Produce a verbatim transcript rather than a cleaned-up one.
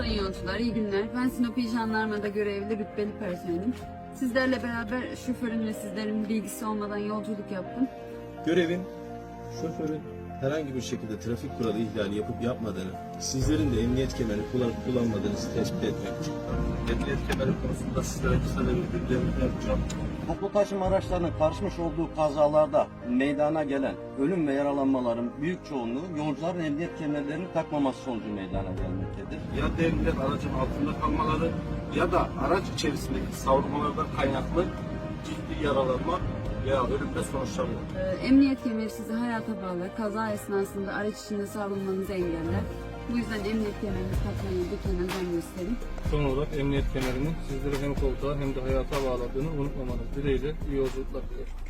Sayın yolcular, iyi günler. Ben Sinop İl Jandarma'da görevli rütbeli personelim. Sizlerle beraber şoförün ve sizlerin bilgisi olmadan yolculuk yaptım. Görevin şoförün herhangi bir şekilde trafik kuralı ihlali yapıp yapmadığını, sizlerin de emniyet kemerini kullanıp kullanmadığınızı tespit etmek. Emniyet kemeri konusunda sizlere kısa bir bilgilerimi yapacağım. Toplu taşıma araçlarının karışmış olduğu kazalarda meydana gelen ölüm ve yaralanmaların büyük çoğunluğu yolcuların emniyet kemerlerini takmaması sonucu meydana gelmektedir. Ya devrilen aracın altında kalmaları ya da araç içerisindeki savrulmalardan kaynaklı ciddi yaralanma veya ölümle sonuçlanıyor. Ee, emniyet kemeri sizi hayata bağlar. Kaza esnasında araç içinde savrulmanızı engeller. Bu yüzden emniyet kemerini takmayı lütfen özen gösterin. Son olarak emniyet kemerinin sizleri hem koltuğa hem de hayata bağladığını unutmamanız dileğiyle iyi yolculuklar dilerim.